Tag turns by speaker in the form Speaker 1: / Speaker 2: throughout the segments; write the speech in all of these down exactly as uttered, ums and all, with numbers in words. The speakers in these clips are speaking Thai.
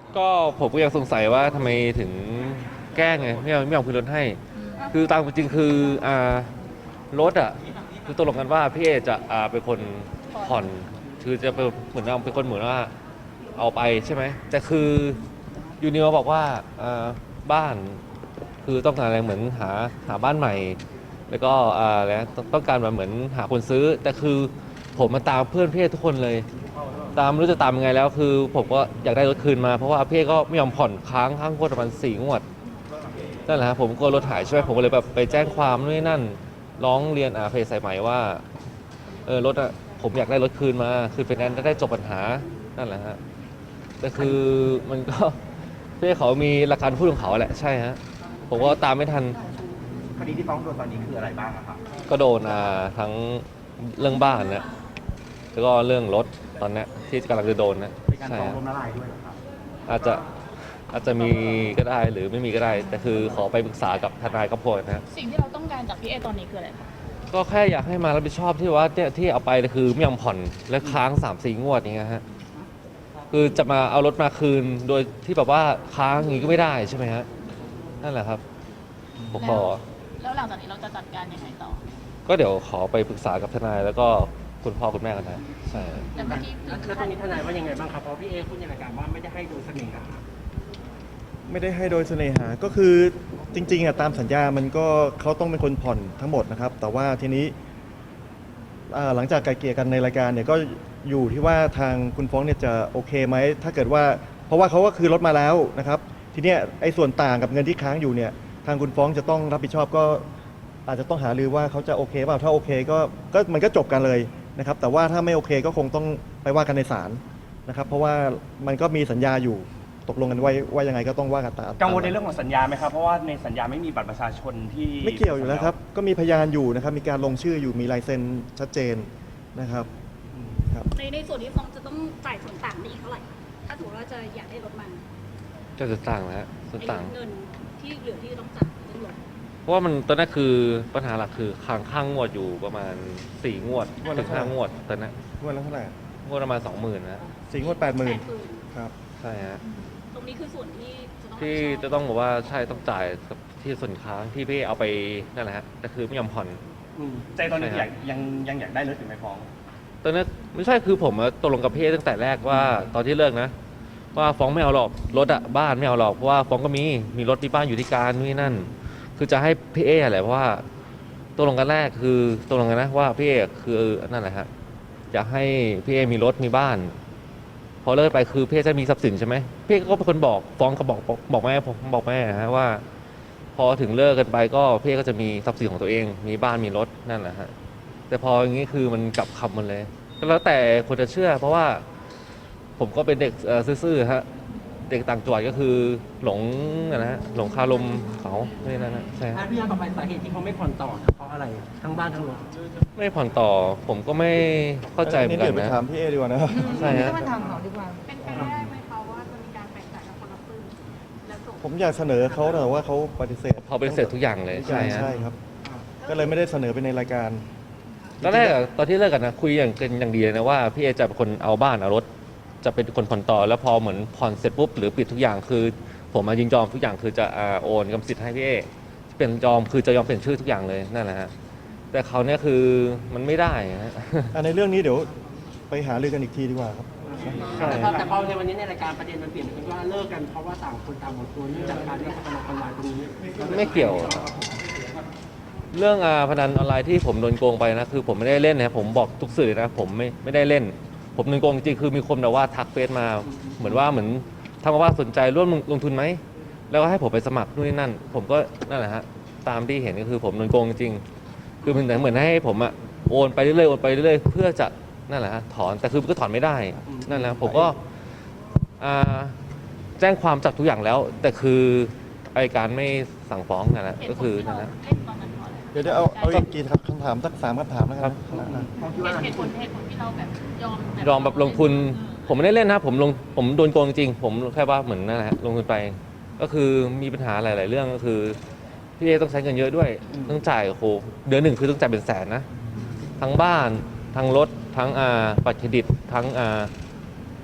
Speaker 1: ก็ผมก็ยังสงสัยว่าทำไมถึงแกล้งไงไม่ยอมไม่ยอมคืนรถให้คือตามจริงคืออ่ารถอ่ะคือตกลงกันว่าพี่เอจะอ่าเป็นคนผ่อนคือจะเป็นเหมือนเราเป็นคนเหมือนว่าเอาไปใช่ไหมแต่คือยูนิวบอกว่าอ่าบ้านคือต้องการอะไรเหมือนหาหาบ้านใหม่แล้วก็อ่าแล้วต้องการแบบเหมือนหาคนซื้อแต่คือผมมาตามเพื่อนพี่เอทุกคนเลย ตามไม่รู้จะตามยังไงแล้วคือผมก็อยากได้รถคืนมาเพราะว่าพี่ก็ไม่ยอมผ่อนค้างค้างงวดประมาณสี่งวดนั่นแหละครับผมก็รถหายใช่ไหมผมก็เลยแบบไปแจ้งความนู่นนนั่นร้องเรียนอาเพจสายไหมว่าเออรถอะผมอยากได้รถคืนมาคือเป็นแนนซ์ได้จบปัญหานั่นแหละฮะแต่คือมันก็พี่เขามีหลักการพูดของเขาแหละใช่ฮะผมก็ตามไม่ทัน
Speaker 2: คดีที่ฟ้องโดนตอนนี้คืออะไรบ้างอะครับ
Speaker 1: ก็โดนอ่าทั้งเรื่องบ้านนะแล้วก็เรื่องรถตอนนี้ที่กำลังจะโดนนะ
Speaker 2: เป็นการ
Speaker 1: ใช่
Speaker 2: ฟ้อง
Speaker 1: ฮะ
Speaker 2: ล้มละลายด้วยเหรอครับ
Speaker 1: อาจจะอาจจะมีก็ได้หรือไม่มีก็ได้แต่คือขอไปปรึกษากับทนายกับพวกนะ
Speaker 3: สิ่งที่เราต้องการจากพี่เอตอนนี้คืออะไรคะ
Speaker 1: ก็แค่อยากให้มารับผิดชอบที่ว่าเนี่ยที่เอาไปคือไม่ยอมผ่อนและค้างสามสี่งวดอย่างเงี้ยฮะคือจะมาเอารถมาคืนโดยที่แบบว่าค้างอย่างงี้ก็ไม่ได้ใช่ไหมฮะนั่นแหละครับผมขอ
Speaker 3: แล้วหลังจากนี้เราจะจัดการยังไงต่อ
Speaker 1: ก็เดี๋ยวขอไปปรึกษากับทนายแล้วก็คุณพ่อคุณแม่กันนะใช่
Speaker 3: แต่เมื่อกี้
Speaker 2: แล้วตอนนี้ทนายว่ายังไงบ้างครับเพราะพี่เอพูดในรายการว่าไม่ได้ให้โดยเสน่หา
Speaker 4: ไม่ได้ให้โดยเสน่หาก็คือจริงๆอะตามสัญญามันก็เขาต้องเป็นคนผ่อนทั้งหมดนะครับ แต่ว่าทีนี้อ่าหลังจากไกลเกลี่ยกันในรายการเนี่ยก็อยู่ที่ว่าทางคุณฟ้องเนี่ยจะโอเคไหมถ้าเกิดว่าเพราะว่าเขาก็คือรถมาแล้วนะครับทีเนี้ยไอ้ส่วนต่างกับเงินที่ค้างอยู่เนี่ยทางคุณฟ้องจะต้องรับผิดชอบก็อาจจะต้องหารือว่าเขาจะโอเคเปล่าถ้าโอเคก็ก็มันก็จบกันเลยนะครับแต่ว่าถ้าไม่โอเคก็คงต้องไปว่ากันในศาลนะครับเพราะว่ามันก็มีสัญญาอยู่ตกลงกันไว้ว่ายังไงก็ต้องว่ากันตาม
Speaker 2: กังวลในเรื่องของสัญญาไหมครับเพราะว่าในสัญญาไม่มีบัตรประชาชนที่
Speaker 4: ไม่เกี่ยวอยู่แล้วครับ ก็มีพยานอยู่นะครับ มีการลงชื่ออยู่ มีลายเซ็นชัดเจนนะครับครับ
Speaker 5: ในในส่วนที่ฟ้องจะต้องจ่ายส่วนต่างได้อีกเท่าไหร่ ถ้าสมมติว่าจะอยากได้รถมัน
Speaker 1: ก็จะต่างนะฮะส่วน
Speaker 5: ไอ้
Speaker 1: ต่าง
Speaker 5: เงินที่เหลือที่ต้องจ่ายเรื่องรถ
Speaker 1: เพราะว่ามันตอนนั้นคือปัญหาหลักคือค้างข้างงวดอยู่ประมาณสี่งวด
Speaker 4: งวดละ
Speaker 1: ถึงห้างวดตอนนั้น
Speaker 4: งวดละเท่าไหร่
Speaker 1: งวดประมาณสองหมื่นนะ
Speaker 4: สี่งวดแปดหมื่น
Speaker 5: แปดหมื่น
Speaker 4: ครับ
Speaker 1: ใช่ฮะ
Speaker 5: ตรงนี้คือส่วนที่จะต้อง
Speaker 1: ที่
Speaker 5: รับผิดชอบ
Speaker 1: จะต้องบอกว่าใช่ต้องจ่ายกับที่ส่วนค้างที่พี่เอาไปนั่นแหละฮะแต่คือไม่ยอมผ่อน
Speaker 2: อืมใจตอนนี้
Speaker 1: ใช่ครับ
Speaker 2: อยากยังยังอยากได้รถอยู่ไหมฟ้อง
Speaker 1: ตอนนั้นไม่ใช่คือผมอะตกลงกับพี่ตั้งแต่แรกว่าตอนที่เลิกนะ ว่าฟ้องไม่เอาหรอกรถอะบ้านไม่เอาหรอกเพราะว่าฟ้องก็มีมีรถมีบ้านอยู่ที่การนู่นนนั่น คือจะให้พี่เออะไรเพราะว่าตกลงกันแรกคือตกลงกันนะว่าพี่เอคือนั่นแหละฮะอยากให้พี่เอมีรถมีบ้าน พอเลิกไปคือพี่เอจะมีทรัพย์สินใช่ไหมพี่เอก็เป็นคนบอกฟ้องก็บอกบอกบอกแม่ผมบอกแม่ฮะว่า พอถึงเลิกกันไปก็พี่เอก็จะมีทรัพย์สินของตัวเอง มีบ้านมีรถนั่นแหละฮะแต่พออย่างนี้คือมันกลับคำหมันเลยก็แล้วแต่คนจะเชื่อ เพราะว่าผมก็เป็นเด็กเอ่อซื่อๆฮะเด็กต่างจังหวัดก็คือหลงนะฮะหลงคารมเขาไม่นั่นนะใช่ฮะ
Speaker 6: ถ้าพี่ยาต่อไปสาเหตุที่เขาไม่ผ่อนต่อเพราะอะไรทั้งบ้านทั้งรถ
Speaker 1: ไม่ผ่อนต่อผมก็ไม่เข้าใจเหมือนกั
Speaker 4: เดี๋ย
Speaker 1: น
Speaker 4: วไป
Speaker 1: นะ
Speaker 4: ถามพี่เอดีกว่านะครับ
Speaker 1: ใช่ฮะ
Speaker 5: เป็นไปได้ไหมคะว่าจะมีการแบ่งจ่ายกับคนละครึ่งแล้วส่ง
Speaker 4: ผมอยากเสนอเขาแต่ว่าเขาปฏิเสธ
Speaker 1: พอเป็นเสร็จทุกอย่างเลยใช่ฮะ
Speaker 4: ใช่ครับ ก็เลยไม่ได้เสนอไปในรายการ
Speaker 1: ตอนแรกอะตอนที่เลิกกันนะคุยอย่างกันอย่างดีเลยนะว่าพี่เอจะเป็นคนเอาบ้านเอารถจะเป็นคนผ่อนต่อแล้วพอเหมือนผ่อนเสร็จปุ๊บหรือปิดทุกอย่างคือ ผมมายินยอมทุกอย่างคือจะอ่าโอนกรรมสิทธิ์ให้พี่เอเปลี่ยนยอมคือจะยอมเปลี่ยนชื่อทุกอย่างเลยนั่นแหละฮะแต่เขาเนี่ยคือมันไม่ได้ฮะ
Speaker 4: อันในเรื่องนี้เดี๋ยวไปหารือกันอีกทีดีกว่าครับ
Speaker 1: ใช่
Speaker 6: แต่พอแต่พอในวันนี้ในรายการประเด็นมันเปลี่ยนเป็นว่าเลิกกันเพราะว่าต่างคนต่างหมดตัวเนื่องจากการเล่นพนันออนไลน์ตรงนี้
Speaker 1: ไม่เกี่ยว เรื่องอ่าพนันออนไลน์ที่ผมโดนโกงไปนะคือผมไม่ได้เล่นนะผมบอกทุกสื่อนะผมไม่ไม่ได้เล่น ผมโดนโกงจริงๆคือมีคนแบบว่าทักเฟซมา เหมือนว่าเหมือนทำมาว่าสนใจร่วมลงทุนไหมแล้วก็ให้ผมไปสมัครนู่นนี่นั่น ผมก็นั่นแหละฮะตามที่เห็นก็คือผมโดนโกงจริงๆคือมันเหมือนให้ผมอะโอนไปเรื่อยๆโอนไปเรื่อยๆเพื่อจะนั่นแหละฮะถอนแต่คือมันก็ถอนไม่ได้นั่นแหละผมก็อ่าแจ้งความจับทุกอย่างแล้ว แต่คืออัยการไม่สั่งฟ้องนั่นแหละ
Speaker 3: เหตุ
Speaker 1: ก็
Speaker 3: ผล
Speaker 1: คือ
Speaker 3: ที่
Speaker 1: นั่
Speaker 3: เรา
Speaker 1: นแหละ
Speaker 3: เล่นตอนนั้นเพราะอะไร
Speaker 4: เดี๋ยวเดี๋ยวเอาเอาอีกกี่คำถามสักสามคำถามแล้วกันนะ
Speaker 3: เหตุผลเหตุผลที่เราแบบยอม
Speaker 1: ยอมแบบลงทุน ผมไม่ได้เล่นนะผมลงผมโดนโกงจริงๆผมแค่ว่าเหมือนนั่นแหละฮะลงทุนไป ก็คือมีปัญหาหลาย ๆ เรื่องก็คือพี่เอต้องใช้เงินเยอะด้วยต้องจ่ายโอ้โหเดือนหนึ่งคือต้องจ่ายเป็นแสนนะทั้งบ้านทั้งรถทั้งอ่าบัตรเครดิตทั้งอ่า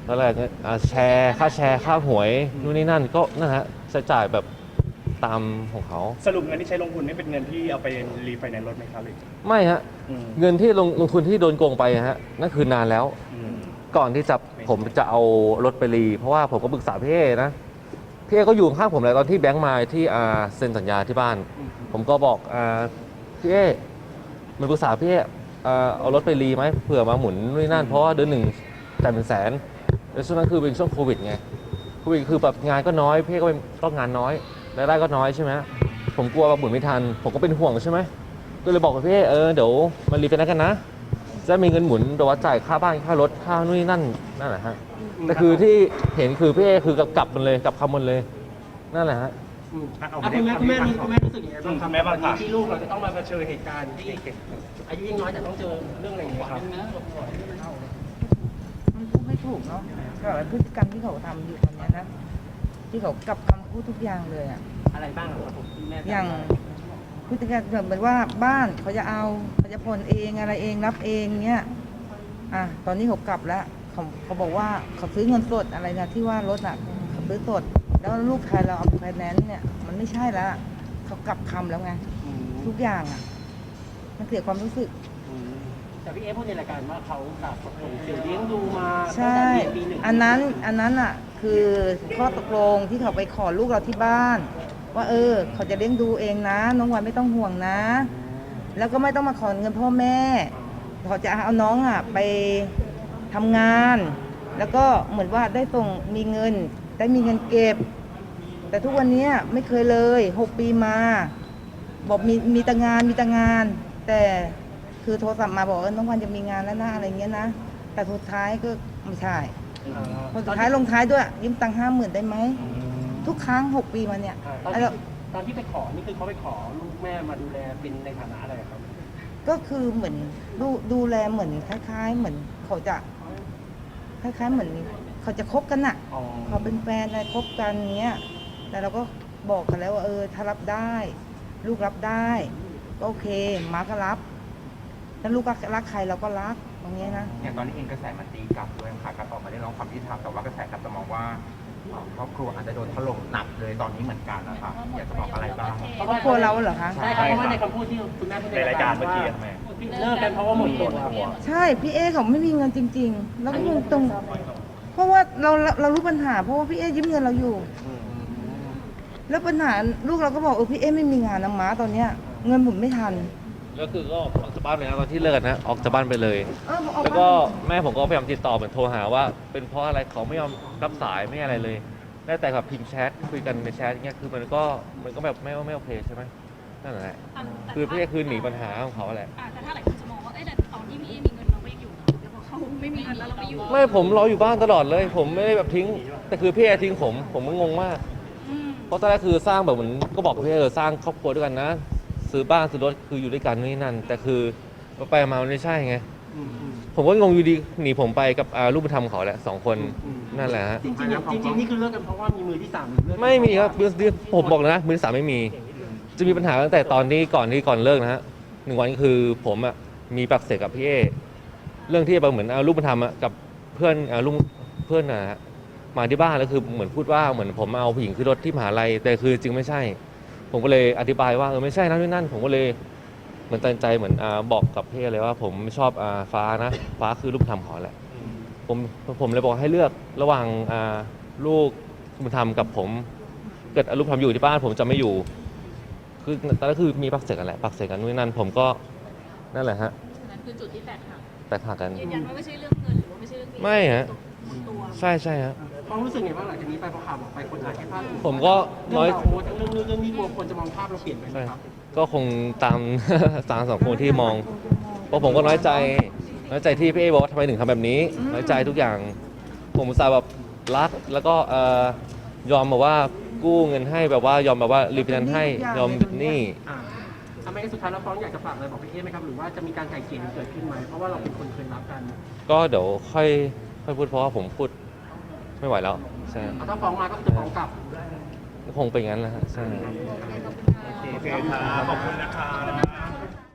Speaker 1: ก็แรกอ่าแชร์ค่าแชร์ค่าหวยนู่นนี่นั่นก็นั่นฮะใช้จ่ายแบบตามของเขา
Speaker 2: สรุปเงินที่ใช้ลงทุนนี่เป็นเงินที่เอาไปรีไฟแนนซ์รถไหมครับหรือ
Speaker 1: ไม่ฮะ
Speaker 2: อืม
Speaker 1: เงินที่ลงลงทุนที่โดนโกงไปฮะนั่นคือนานแล้ว
Speaker 2: อืม
Speaker 1: ก่อนที่จะผมจะเอารถไปรีเพราะว่าผมก็ปรึกษาพี่เอนะพี่เอก็อยู่ข้างผมเลยตอนที่แบงค์มาที่อ่าเซ็นสัญญาที่บ้าน ผมก็บอกอ่าพี่เอมันปรึกษาพี่เออ่าเอารถไปรีไหมเผื่อมาหมุนนู่นนนั่นเพราะว่าเดือนหนึ่งจ่ายเป็นแสนแล้วช่วงนั้นคือเป็นช่วงโควิดไงโควิดคือแบบงานก็น้อยพี่เอก็ต้องงานน้อยรายได้ก็น้อยใช่ไหมผมกลัวว่าหมุนไม่ทันผมก็เป็นห่วงใช่ไหมก็เลยบอกกับพี่เอเออเดี๋ยวมารีไฟแนนซ์กันนะจะมีเงินหมุนแต่ว่าจ่ายค่าบ้านค่ารถค่านู่นนี่นั่นนั่นแหละฮะแต่คือที่เห็นคือพี่เอคือกลับมันเลยกลับคำมันเลยนั่นแหละฮะ
Speaker 6: อืมอ่ะคุณแม่คุณแม่มีคุณแม่รู้สึกยังไงบ้างครับ
Speaker 2: คุณแม่บ้างครับ
Speaker 6: วันนี้ที่ลูกเราจะต้องมาเผชิญเหตุการณ์ที่อายุยังน้อยแต่ต้องเจอเรื่องอะไรอย่างเงี้ยครับ
Speaker 7: มันพูดไม่ถูกเนาะก็พฤติกรรมที่เขาทำอยู่ตอนเนี้ยนะที่เขากลับคำพูดทุกอย่างเลยอ่ะ
Speaker 6: อะไรบ้างครับผมคุณแม่
Speaker 7: อย่างพฤติกรรมเหมือนว่าบ้านเขาจะเอาเขาจะผ่อนเองอะไรเองรับเองเนี้ยอ่ะตอนนี้เขากลับแล้วเขาเขาบอกว่าเขาซื้อเงินสดอะไรนะที่ว่ารถอ่ะเขาซื้อสดแล้วลูกชายเราเอาไฟแนนซ์เนี่ยมันไม่ใช่แล้วอะเขากลับคำแล้วไง
Speaker 6: อืม
Speaker 7: ทุกอย่างอ่ะมันเสียความรู้สึก
Speaker 6: อืมแต่พี่เอพูดในรายการว่าเขาแบบส่งเสียเลี้ยงดูมาตั้ง
Speaker 7: ใช่
Speaker 6: แต่เรียนปีหนึ่ง
Speaker 7: อันนั้นอันนั้นอ่ะคือข้อตกลงที่เขาไปขอลูกเราที่บ้าน ว่าเออ เขาจะเลี้ยงดูเองนะ น้องวันไม่ต้องห่วงนะ แล้วก็ไม่ต้องมาขอเงินพ่อแม่เขาจะเอาน้องอ่ะไปทำงาน แล้วก็เหมือนว่าได้ส่งมีเงิน ได้มีเงินเก็บ แต่ทุกวันนี้ไม่เคยเลยหกปีมา บอกมีมีแต่งานมีแต่งาน แต่คือโทรศัพท์มาบอกเออน้องวันจะมีงานแล้วนะอะไรเงี้ยนะ แต่สุดท้ายก็ไม่ใช่
Speaker 6: อ่า
Speaker 7: คนสุดท้ายลงท้ายด้วยยืมตังค์ห้าหมื่นได้ไหม ทุกครั้งหกปีมาเนี่ย
Speaker 6: อ่าตอน
Speaker 7: ไอ้
Speaker 6: ที่
Speaker 7: เรา
Speaker 6: ตอนที่ไปขอนี่คือเขาไปขอลูกแม่มาดูแลเป็นในฐานะอะไรครับ
Speaker 7: ก็คือเหมือนดูดูแลเหมือนคล้าย ๆ เหมือนเขาจะคล้ายๆ เหมือนเขาจะคบกันน่ะ
Speaker 6: อ๋อ
Speaker 7: เขาเป็นแฟนอะไรคบกันเงี้ย แต่เราก็บอกกันแล้วว่าเออถ้ารับได้ ลูกรับได้ก็โอเคมาก็รับถ้าลูกก็รักใครเราก็รักตรงเนี้ยนะ
Speaker 8: อย่างตอนนี้เองกระแสมันตีกลับด้วยค่ะการออกมาเรียกร้องความยุติธรรมแต่ว่ากระแสกลับจะมองว่าครอบครัวอาจจะโดนถล่มหนักเลยตอนนี้เหมือนกันนะคะอยากจะบอกอะไรบ้าง
Speaker 7: ครอบครัวเราเหรอคะ
Speaker 6: ใช่ครับเพราะว่าในคำพูดที่คุณแม่พูด
Speaker 2: ในรายการเมื่อกี้
Speaker 6: ว่า
Speaker 2: ทำไม
Speaker 6: เลิกกันเพราะว่าหมดตัวครับ
Speaker 7: ใช่พี่เอเขาไม่มีเงินจริง ๆ แล้วก็เงินตรง เพราะว่าเราเราเรารู้ปัญหา เพราะว่าพี่เอยืมเงินเราอยู่ แล้วปัญหาลูกเราก็บอกเออพี่เอไม่มีงานนะม้าตอนเนี้ยเงินผมไม่ทัน
Speaker 1: แล้วคือก็ออกจากบ้านไปนะตอนที่เลิกกันนะออกจากบ้านไปเลย
Speaker 7: เออผมออก
Speaker 1: แล้ว
Speaker 7: บ้าน
Speaker 1: ก็แม่ผมก็พยายามติดต่อเหมือนโทรหาว่า เป็นเพราะอะไรเขาไม่ยอมรับสายไม่อะไรเลยได้แต่แบบพิมพ์แชทคุยกันในแชทอย่างเงี้ยคือมันก็มันก็แบบไม่ไม่โอเคใช่ไหมนั่นแหละคือพี่คือหนีปัญหาของเขาแหละ
Speaker 3: อ่ะแต่ถ้าหลายคนจะมองว่า เอ้ยแต่ตอนที่พี่เอมีเงินเราก็ยังอยู่นะแล้วพอเขาไม่มีเงินแล้วเราไปอยู่
Speaker 1: ไม่ผมรออยู่บ้านตลอดเลย ผมไม่ได้แบบทิ้ง แต่คือพี่เอทิ้งผมผมก็งงมาก
Speaker 3: อืม
Speaker 1: เพราะตอนแรกคือสร้างแบบเหมือนก็บอกกับพี่เออสร้างครอบครัวด้วยกันนะ ซื้อบ้านซื้อรถคืออยู่ด้วยกันนี่นั่น แต่คือไปมามันไม่ใช่ไง
Speaker 6: อืมอืม
Speaker 1: ผมก็งงอยู่ดีหนีผมไปกับอ่าลูกบุญธรรมเขาแหละสองคน
Speaker 6: อืม
Speaker 1: นั่นแหละฮะ
Speaker 6: จริงๆจริงๆนี่คือเลิกกันเพราะว่ามีมือที่สามหรือเลิกกัน
Speaker 1: ไม่มีครับมือที่ผมบอกเลยนะมือที่สามไม่มี จะมีปัญหาตั้งแต่ตอนที่ก่อนที่ก่อนเลิกนะฮะหนึ่งวันคือผมอ่ะมีปากเสียงกับพี่เอเรื่องที่แบบเหมือนเอาลูกบุญธรรมอะกับเพื่อนเอาลุงเพื่อนนะฮะมาที่บ้านแล้วคือเหมือนพูดว่าเหมือนผมเอาผู้หญิงขึ้นรถที่มหาลัยแต่คือจริงไม่ใช่ ผมก็เลยอธิบายว่าเออไม่ใช่นะนี่นั่น ผมก็เลยเหมือนตัดใจเหมือนอ่าบอกกับพี่เลยว่าผมไม่ชอบอ่าฟ้านะฟ้าคือลูกบุญธรรมเขาแหละผมผมเลยบอกให้เลือกระหว่างอ่าลูกบุญธรรมกับผมเกิดลูกบุญธรรมอยู่ที่บ้านผมจะไม่อยู่ คือตอนนั้นคือมีปากเสียงกันแหละปากเสียงกันนู่นนนั่นผมก็นั่นแหละฮะ
Speaker 3: นั่นคือจุดที่แตกหัก
Speaker 1: แตกหักกัน
Speaker 3: ยืนยันว่าไม่ใช่เรื่องเงินหรือว่าไม่ใช่เรื่อง
Speaker 1: ไม่ฮะ
Speaker 3: ตัว
Speaker 1: ใช่ใช่ฮะ
Speaker 6: ความรู้สึกไงบ้างหลังจากนี้ไปพอข่าวออกไปคนอาจจะพลาด
Speaker 1: ผมก็น้อย
Speaker 6: เรื่องราวโอ้ทั้งเรื่องนู้นเรื่องนี้กลัวคนจะมองภาพเราเปลี่ยนไปไหม
Speaker 1: ใช่
Speaker 6: ครับ
Speaker 1: ก็คงตาม ตามสังคมที่มองเพราะผมก็น้อยใจน้อยใจที่พี่เอบอกว่าทำไมถึงทำแบบนี้ น้อยใจทุกอย่าง ผมอุตส่าห์แบบรักแล้วก็เอ่อยอมแบบว่ากู้เงินให้แบบว่ายอมแบบว่ารีฟินแนนซ์ให้ยอมหนี้
Speaker 6: อ่าทำไมสุดท้ายแล้วฟ้องอยากจะฝากอะไรบอกพี่เอ๊ไหมครับหรือว่าจะมีการไกล่เกลี่ยเกิดขึ้นไหมเพราะว่าเราเป็นคนเคยรักกัน
Speaker 1: ก็เดี๋ยวค่อยค่อยพูดเพราะว่าผมพูดไม่ไหวแล้วใช่
Speaker 6: เอาถ้าฟ้องมาก็จะฟ้องกลับ
Speaker 1: คงเป็นงั้นแหละฮะใช่
Speaker 2: โอเคครับขอบคุณนะครับ